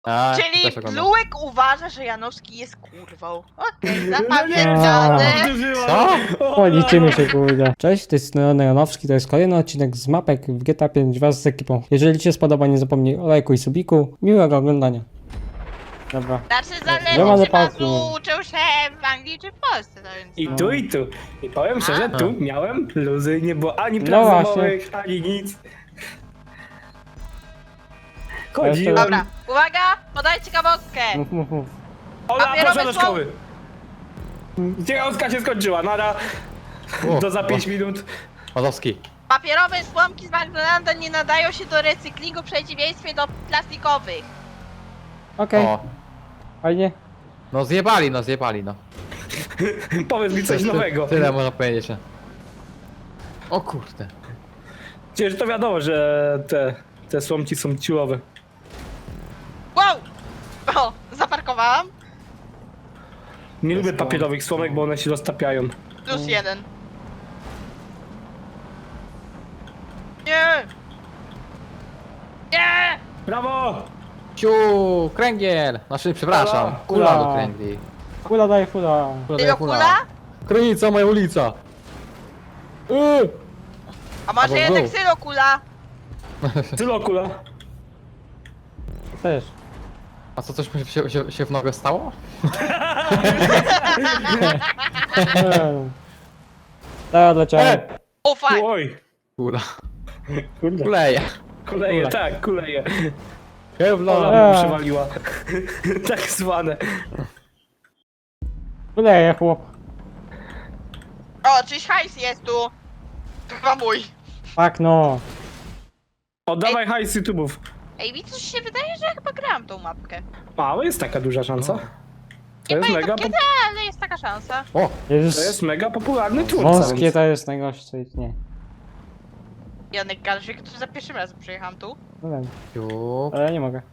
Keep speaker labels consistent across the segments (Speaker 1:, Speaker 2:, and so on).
Speaker 1: A,
Speaker 2: Czyli
Speaker 1: też oglądam.
Speaker 2: Blułek uważa, że Janowski jest kurwą. Okej, zapamiętane.
Speaker 1: Co?
Speaker 3: O, liczymy się, kurde. Cześć, to jest Leon Janowski, to jest kolejny odcinek z mapek w GTA 5 wraz z ekipą. Jeżeli ci się spodoba, nie zapomnij o lajku i subiku. Miłego oglądania. Dobra.
Speaker 2: Znaczy
Speaker 3: Ja
Speaker 2: zależy,
Speaker 3: mam
Speaker 2: czy Bazu
Speaker 3: zapałki.
Speaker 2: uczył się w Anglii czy w Polsce, no więc...
Speaker 4: I tu, i tu. I powiem szczerze,
Speaker 1: A.
Speaker 4: tu miałem luzy, nie było ani
Speaker 3: No
Speaker 4: prac domowych, ani nic. Chodziłem.
Speaker 2: Dobra, uwaga, podaj ciekawostkę.
Speaker 3: Mów, mów, mów.
Speaker 4: Ola,
Speaker 2: Papierowe
Speaker 4: proszę do
Speaker 2: są-
Speaker 4: szkoły. Ciekawostka się skończyła, nara. Do za 5 minut.
Speaker 1: Mazowski.
Speaker 2: Papierowe słomki z McDonalda nie nadają się do recyklingu w przeciwieństwie do plastikowych.
Speaker 3: Okej,
Speaker 1: O.
Speaker 3: fajnie.
Speaker 1: No zjebali, no.
Speaker 4: Powiedz mi coś nowego.
Speaker 1: Tyle można powiedzieć. O kurde.
Speaker 4: Przecież to wiadomo, że te słomki są ciułowe.
Speaker 2: Wow! O, zaparkowałam.
Speaker 4: Nie lubię papierowych słomek, bo one się roztapiają.
Speaker 2: Plus jeden. Nie! Nie!
Speaker 4: Brawo!
Speaker 1: Ciu, kręgiel! Znaczy, przepraszam, kula do kręgli.
Speaker 3: Fula daje fula.
Speaker 2: Tylko kula?
Speaker 1: Krynica, moja ulica.
Speaker 2: A może
Speaker 1: Albo
Speaker 2: jednak
Speaker 1: był.
Speaker 2: sylokula?
Speaker 4: Tylokula.
Speaker 3: Też.
Speaker 1: A co, coś mi się w nogę stało?
Speaker 3: Teraz odleciałem.
Speaker 2: O fuck!
Speaker 4: Oj.
Speaker 1: Kula.
Speaker 4: Kurde.
Speaker 1: Kuleje.
Speaker 4: Kuleje, tak, kuleje.
Speaker 1: Kevlar.
Speaker 4: Ola mi przywaliła. Tak zwane.
Speaker 3: Fuleje, chłop.
Speaker 2: O, czyś hajs jest tu. To chyba mój.
Speaker 3: Tak no.
Speaker 4: Oddawaj hajs YouTube'ów.
Speaker 2: Ej, mi coś się wydaje, że ja chyba grałam tą mapkę.
Speaker 4: Mało jest taka duża szansa.
Speaker 1: No.
Speaker 4: To
Speaker 2: Nie
Speaker 4: jest
Speaker 2: pamiętam
Speaker 4: mega,
Speaker 2: kiedy, ale jest taka szansa.
Speaker 1: O,
Speaker 4: to jest
Speaker 3: Jest
Speaker 4: mega popularny twórca.
Speaker 3: wąskie,
Speaker 4: Więc...
Speaker 3: to jest najgorsze, co istnieje.
Speaker 2: Janek Galszyk, który za pierwszym razem przyjechałam tu.
Speaker 3: No wiem,
Speaker 1: ciu.
Speaker 3: ale nie mogę.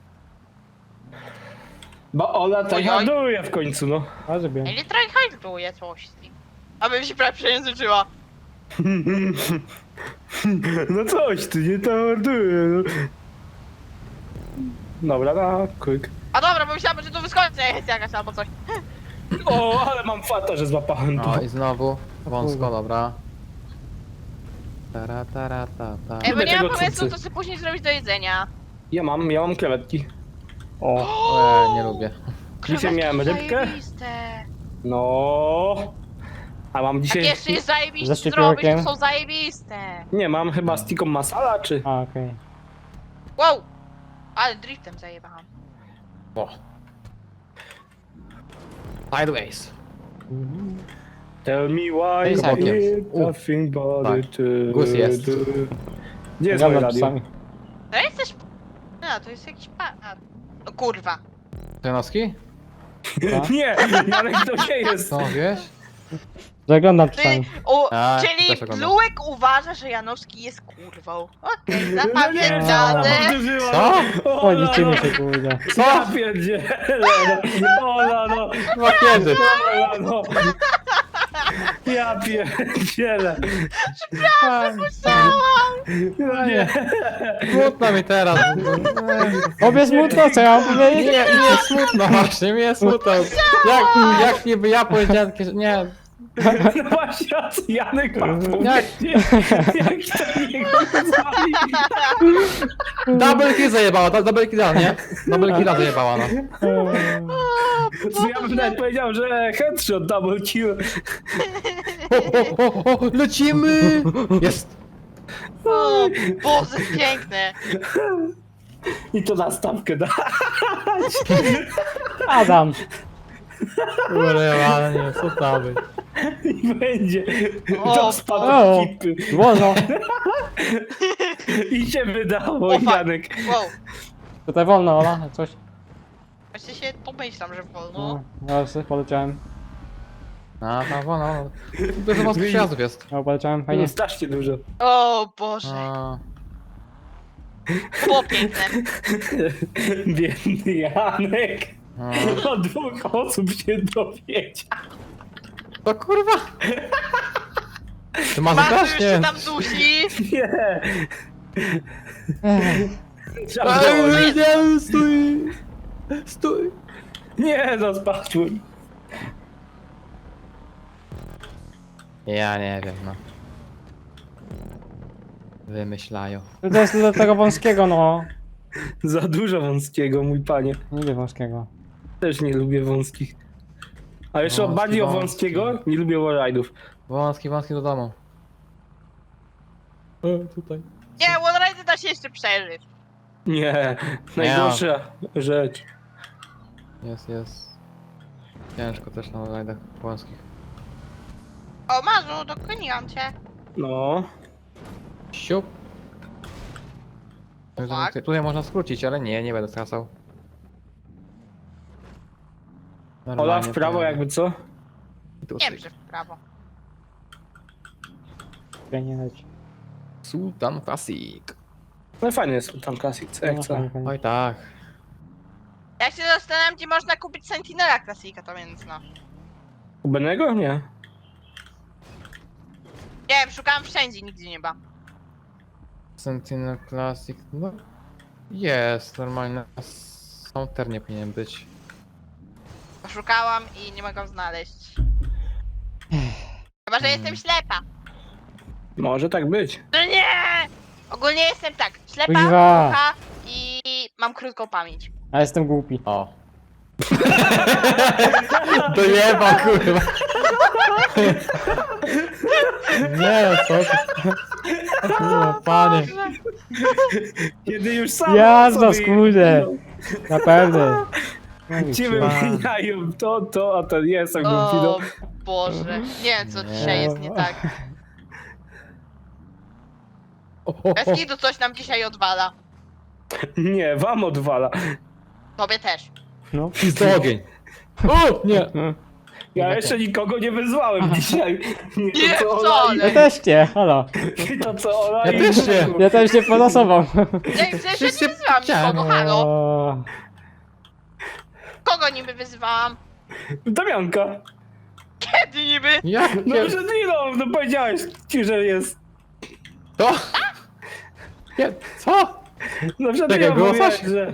Speaker 4: Bo Ola tak
Speaker 2: Oj, oj.
Speaker 4: handluje w końcu, no.
Speaker 3: A zrobię.
Speaker 2: Ej, nie trochę hajsuje coś. Abym się prawie przejęzyczyła.
Speaker 4: No coś, ty nie to handluje, no. Dobra, na quick.
Speaker 2: A dobra, bo myślałam, że tu wyskoczy jest jakaś albo coś.
Speaker 4: O, ale mam fata, że złapałem to.
Speaker 1: No i znowu wąsko, dobra. Tara, ta.
Speaker 2: Ej, bo
Speaker 4: Lubię
Speaker 2: nie mam
Speaker 4: tego
Speaker 2: pomysłu,
Speaker 4: twórcy.
Speaker 2: co sobie później zrobić do jedzenia.
Speaker 4: Ja mam krewetki.
Speaker 3: O,
Speaker 1: Nie lubię.
Speaker 4: Dzisiaj miałem
Speaker 2: Krewetki
Speaker 4: rybkę.
Speaker 2: zajebiste.
Speaker 4: No. A mam
Speaker 2: Jak
Speaker 4: dzisiaj...
Speaker 2: jeszcze jest zajebiście
Speaker 3: Ze
Speaker 2: zrobić,
Speaker 3: szczypiorkiem?
Speaker 2: to są zajebiste.
Speaker 4: Nie, mam chyba z tiką masala, czy...
Speaker 3: a okej.
Speaker 2: Wow! Ale driftem zajebałam.
Speaker 1: O. Sideways.
Speaker 4: Tell me why
Speaker 1: Ej,
Speaker 4: you
Speaker 1: całkiem.
Speaker 4: need nothing but
Speaker 1: Tak.
Speaker 4: it,
Speaker 1: Gus jest.
Speaker 4: Gdzie jest moje
Speaker 3: Gadam
Speaker 4: radio?
Speaker 3: czasami.
Speaker 2: To jest też... A, to jest jakiś A, no kurwa.
Speaker 1: Janowski?
Speaker 4: Nie, Janek to nie jest.
Speaker 1: Co, wiesz?
Speaker 3: Zaglądam
Speaker 2: Ty,
Speaker 3: czasami.
Speaker 1: A,
Speaker 2: czyli
Speaker 1: też oglądam.
Speaker 2: Blułek uważa, że Janowski jest kurwą. Okej,
Speaker 4: Ona
Speaker 2: zapamiętane.
Speaker 4: powtórzyła.
Speaker 1: Co?
Speaker 3: O, liczymy się, kurde.
Speaker 4: Ja pierdzielę, no. Ola, no.
Speaker 1: Chyba kiedy?
Speaker 4: Ola, no. Ja pierdzielę. No nie.
Speaker 1: Smutno mi teraz.
Speaker 3: Obie smutno, co ja mam
Speaker 1: Nie,
Speaker 3: powiedzieć?
Speaker 1: nie smutno właśnie, mi jest smutno. Jak niby ja powiedziałem, że nie.
Speaker 4: No właśnie, a co Janek ma
Speaker 1: Jak?
Speaker 4: powiedzieć? Jak to niego zwali?
Speaker 1: Double kill zajebała, double killa, nie? Double killa zajebała, no.
Speaker 4: Co ja bym nawet powiedział, że headshot, double kill.
Speaker 1: O, lecimy! Jest.
Speaker 2: O Boże, piękne.
Speaker 4: I to na stawkę da.
Speaker 3: Adam.
Speaker 1: Kurde, ale nie, co to być?
Speaker 4: I będzie.
Speaker 2: O,
Speaker 4: To spadł
Speaker 3: o.
Speaker 4: ekipy.
Speaker 3: Wolno.
Speaker 4: I się wydało,
Speaker 2: O, fuck.
Speaker 4: Janek.
Speaker 2: Wow.
Speaker 3: Tutaj wolno, Ola, coś.
Speaker 2: Właśnie się pomyślam, że wolno.
Speaker 3: No, ja sobie poleciałem.
Speaker 1: No. Dużo wąskich przejazdów jest.
Speaker 3: No, poleciałem,
Speaker 4: No,
Speaker 3: fajnie.
Speaker 4: strasznie dużo.
Speaker 2: O Boże,
Speaker 1: A,
Speaker 2: było piękne.
Speaker 4: Biedny Janek.
Speaker 1: a.
Speaker 4: Od 2 osób się dowiedział.
Speaker 1: To kurwa! Ty masz
Speaker 2: Masu
Speaker 1: też?
Speaker 2: już się
Speaker 1: Nie.
Speaker 2: tam dusi.
Speaker 4: Nie.
Speaker 3: Ech,
Speaker 4: Trzeba było.
Speaker 1: Nie, stój! Stój!
Speaker 4: Nie, no spadłem.
Speaker 1: Ja nie wiem, no. Wymyślają.
Speaker 3: To jest do tego wąskiego, no.
Speaker 4: Za dużo wąskiego, mój panie.
Speaker 3: Nie lubię wąskiego.
Speaker 4: Też nie lubię wąskich. A jeszcze
Speaker 1: Wąski,
Speaker 4: bardziej o
Speaker 1: wąski.
Speaker 4: wąskiego nie lubię wallride'ów.
Speaker 1: Wąski do domu. Tutaj.
Speaker 2: Nie, Wallride'y da się jeszcze przeżyć.
Speaker 4: Nie, najgorsza rzecz.
Speaker 1: Jest. Ciężko też na rajdach wąskich.
Speaker 2: O, Marzu, dogoniłam cię.
Speaker 4: No.
Speaker 1: Siup.
Speaker 2: Tak.
Speaker 1: Tutaj można skrócić, ale nie będę stracał.
Speaker 4: Ola
Speaker 1: Normalnie
Speaker 4: w prawo
Speaker 1: to-
Speaker 4: jakby co?
Speaker 1: tu
Speaker 2: Nie
Speaker 1: syk.
Speaker 2: wiem, że w prawo.
Speaker 3: Ja nie leci.
Speaker 1: Sultan Classic.
Speaker 4: No fajny jest tam Classic, jak co?
Speaker 3: fajnie, fajnie.
Speaker 1: Oj tak.
Speaker 2: Ja się zastanawiam, gdzie można kupić Sentinela Classica, to więc no.
Speaker 4: U Benego? Nie.
Speaker 2: Nie wiem, szukałam wszędzie, nigdzie nie ma.
Speaker 1: Sentinel Classic, no. Jest, normalnie. Counter nie powinien być.
Speaker 2: Poszukałam i nie mogę go znaleźć. Chyba, że jestem ślepa.
Speaker 4: Może tak być.
Speaker 2: No nie! Ogólnie jestem tak, ślepa,
Speaker 3: Kuźwa.
Speaker 2: głucha i mam krótką pamięć.
Speaker 3: A jestem głupi.
Speaker 1: O. To jeba, kurwa. Nie, co ty? Kurwa, panie.
Speaker 4: Kiedy już sam
Speaker 3: Jazda, skurde. Na pewno.
Speaker 4: Ci wymieniają to, a ten jestem głupi,
Speaker 2: O
Speaker 4: no.
Speaker 2: Boże, nie wiem co
Speaker 1: Nie.
Speaker 2: dzisiaj jest nie tak. Bez kitu coś nam dzisiaj odwala.
Speaker 4: Nie, wam odwala.
Speaker 2: Tobie też.
Speaker 3: No.
Speaker 1: Pizdo ogień. O, nie.
Speaker 4: Ja jeszcze nikogo nie wyzwałem dzisiaj.
Speaker 2: Nie,
Speaker 4: to, co Ola
Speaker 2: wcale.
Speaker 3: Ja też nie, halo.
Speaker 4: i to co Ola
Speaker 1: Ja
Speaker 4: i
Speaker 1: też nie.
Speaker 4: Benek.
Speaker 3: Ja też nie polosował.
Speaker 2: Ja przecież nie wyzywałam nikogo, halo.
Speaker 3: O,
Speaker 2: Kogo niby wyzywałam?
Speaker 4: Damianka.
Speaker 2: Kiedy niby?
Speaker 1: Jak?
Speaker 4: No przed chwilą, no powiedziałeś ci, że jest.
Speaker 1: To? Nie, co?
Speaker 4: No przed
Speaker 1: Czekaj,
Speaker 4: chwilą
Speaker 1: było
Speaker 4: mówiłeś,
Speaker 1: coś?
Speaker 4: że...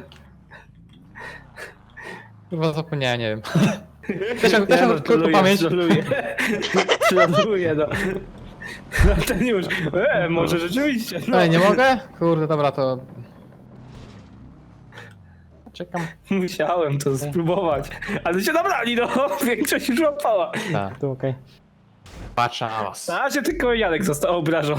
Speaker 1: Chyba zapomniałem, nie wiem. Też mam
Speaker 4: no,
Speaker 1: krótką pamięć.
Speaker 4: Troluję, no. No ten już, może rzeczywiście, no.
Speaker 1: Ale nie mogę? Kurde, dobra, to... Czekam.
Speaker 4: Musiałem to spróbować. Ale się nabrali, no. Większość już łapała.
Speaker 1: Tak,
Speaker 3: tu okej.
Speaker 1: patrzę na was.
Speaker 4: Na razie tylko Janek został obrażony.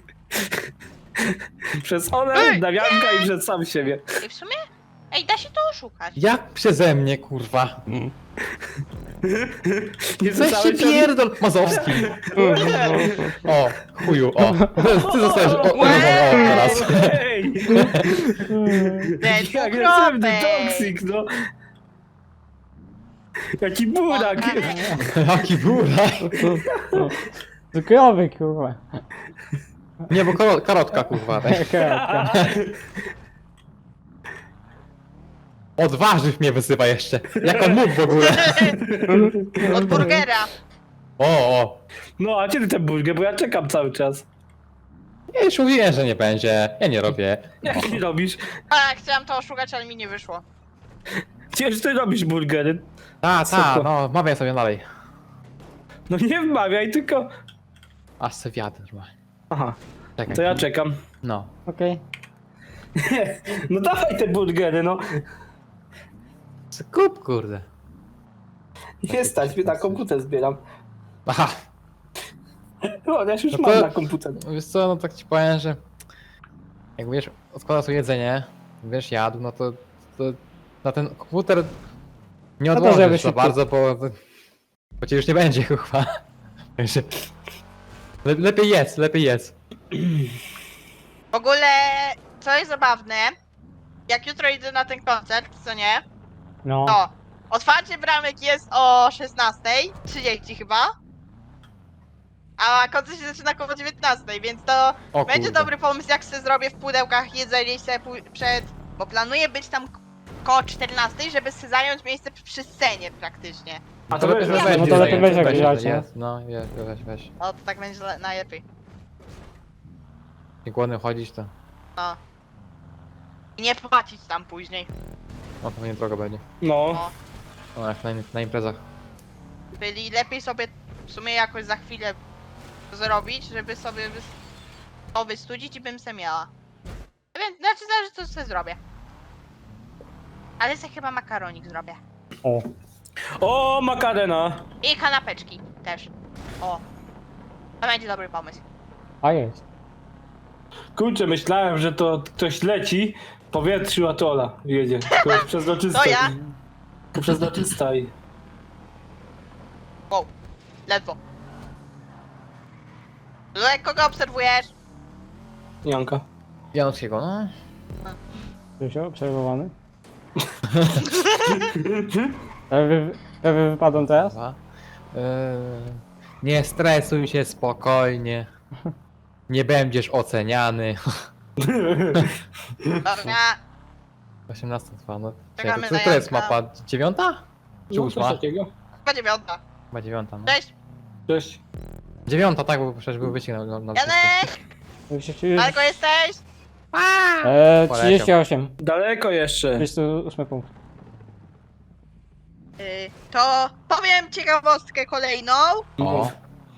Speaker 4: Przez Olę,
Speaker 2: Ej,
Speaker 4: Damianka i przez sam siebie.
Speaker 2: I w sumie? Ej, da się to oszukać.
Speaker 1: Jak przeze mnie, kurwa?
Speaker 4: Nie
Speaker 1: Coś się
Speaker 4: słyszałeś o-
Speaker 1: pierdol... Mazowski. O, chuju, o. Ty zostajesz... O, teraz.
Speaker 4: Ej,
Speaker 2: Ten
Speaker 4: jaki agresywny
Speaker 2: dwukropek.
Speaker 4: toksik, no. Jaki burak.
Speaker 1: Jaki burak.
Speaker 3: Cukrowy, kurwa.
Speaker 1: Nie, bo karotka, kurwa. Tak.
Speaker 3: Kropka.
Speaker 1: Od warzyw mnie wyzywa jeszcze. Jak on mógł w ogóle?
Speaker 2: Od burgera.
Speaker 1: O.
Speaker 4: No, a kiedy ten burger, bo ja czekam cały czas.
Speaker 1: Ja już mówiłem, że nie będzie. Ja nie robię.
Speaker 4: Jak ty robisz?
Speaker 2: A, chciałam to oszukać, ale mi nie wyszło.
Speaker 4: Przecież ty robisz burgery.
Speaker 1: Ta, no, mawiaj sobie dalej.
Speaker 4: No nie wmawiaj, tylko...
Speaker 1: Aż se wiatr ma.
Speaker 4: Aha,
Speaker 1: Czekaj.
Speaker 4: to ja czekam.
Speaker 1: No.
Speaker 3: Okej.
Speaker 4: No dawaj te burgery, no.
Speaker 1: Kup, kurde.
Speaker 4: Nie stać, mnie na komputer zbieram.
Speaker 1: Aha.
Speaker 4: No, ja już
Speaker 1: No
Speaker 4: mam
Speaker 1: to-
Speaker 4: na komputer.
Speaker 1: Wiesz co, no tak ci powiem, że... Jak wiesz, odkłada sobie jedzenie, wiesz, jadł, no to na ten komputer nie
Speaker 3: No to
Speaker 1: odłożysz
Speaker 3: żeby
Speaker 1: za
Speaker 3: szybko.
Speaker 1: bardzo, bo cię już nie będzie, chyba. Także... Lepiej jedz.
Speaker 2: W ogóle, co jest zabawne, jak jutro idę na ten koncert, co nie?
Speaker 3: No.
Speaker 2: To otwarcie bramek jest o 16:30 chyba. A koncert się zaczyna około 19:00, więc to
Speaker 1: O
Speaker 2: będzie
Speaker 1: kurde.
Speaker 2: dobry pomysł, jak sobie zrobię w pudełkach jedzenie i sobie przed... Bo planuję być tam koło 14:00, żeby sobie zająć miejsce przy scenie praktycznie.
Speaker 4: A to wiesz, że
Speaker 3: No to
Speaker 4: będzie
Speaker 3: lepiej weź jak
Speaker 1: weź,
Speaker 3: wziąć, nie?
Speaker 1: jest, no, weź.
Speaker 2: O, to tak będzie najlepiej.
Speaker 1: Nie głodny chodzić to.
Speaker 2: No. I nie płacić tam później.
Speaker 1: No to nie drogo będzie.
Speaker 4: No.
Speaker 1: No jak na imprezach.
Speaker 2: Byli lepiej sobie w sumie jakoś za chwilę zrobić, żeby sobie to wystudzić i bym se miała. Więc, znaczy zależy co sobie zrobię. Ale sobie chyba makaronik zrobię.
Speaker 3: O.
Speaker 4: O, makarena.
Speaker 2: I kanapeczki też. O. To będzie dobry pomysł.
Speaker 3: A jest.
Speaker 4: Kurczę, myślałem, że to ktoś leci w powietrzu, a to Ola jedzie. To jest przezroczysta.
Speaker 2: To ja.
Speaker 4: To przezroczysta i...
Speaker 2: Wow. Ledwo. Lulek, kogo obserwujesz?
Speaker 4: Janka.
Speaker 1: Janowskiego, no.
Speaker 3: Krzysiu, obserwowany. Prawie wypadłem teraz?
Speaker 1: Dwa. Nie stresuj się, spokojnie. Nie będziesz oceniany.
Speaker 2: Dobra.
Speaker 1: 18 trwa, no.
Speaker 2: Czekamy
Speaker 1: Czekaj,
Speaker 2: na
Speaker 1: to jest
Speaker 2: Janka.
Speaker 1: mapa? 9? Czy
Speaker 4: No, coś
Speaker 1: 8?
Speaker 4: takiego.
Speaker 2: Chyba 9.
Speaker 1: Chyba 9, no.
Speaker 2: Cześć.
Speaker 4: Cześć.
Speaker 1: 9, tak, bo przecież był wyścig na
Speaker 2: Janek!
Speaker 3: Już-
Speaker 2: Daleko jesteś?
Speaker 3: 38.
Speaker 4: Daleko jeszcze.
Speaker 3: 38 punkt.
Speaker 2: To powiem ciekawostkę kolejną.
Speaker 1: O,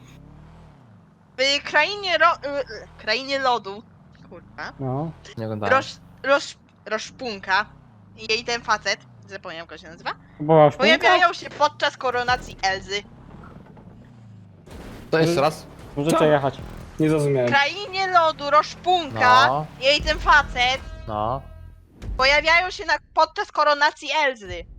Speaker 2: W krainie lodu. Kurwa.
Speaker 3: No.
Speaker 1: nie oglądałem.
Speaker 2: Roszpunka. I jej ten facet. Zapomniałem, jak się nazywa.
Speaker 3: Była szpunka?
Speaker 2: Pojawiają się podczas koronacji Elzy.
Speaker 1: To jeszcze raz?
Speaker 3: Możecie
Speaker 4: Co?
Speaker 3: jechać.
Speaker 4: Nie
Speaker 2: W
Speaker 4: zrozumiałem.
Speaker 2: krainie lodu Roszpunka.
Speaker 1: No.
Speaker 2: Jej ten facet.
Speaker 1: No.
Speaker 2: Pojawiają się podczas koronacji Elzy.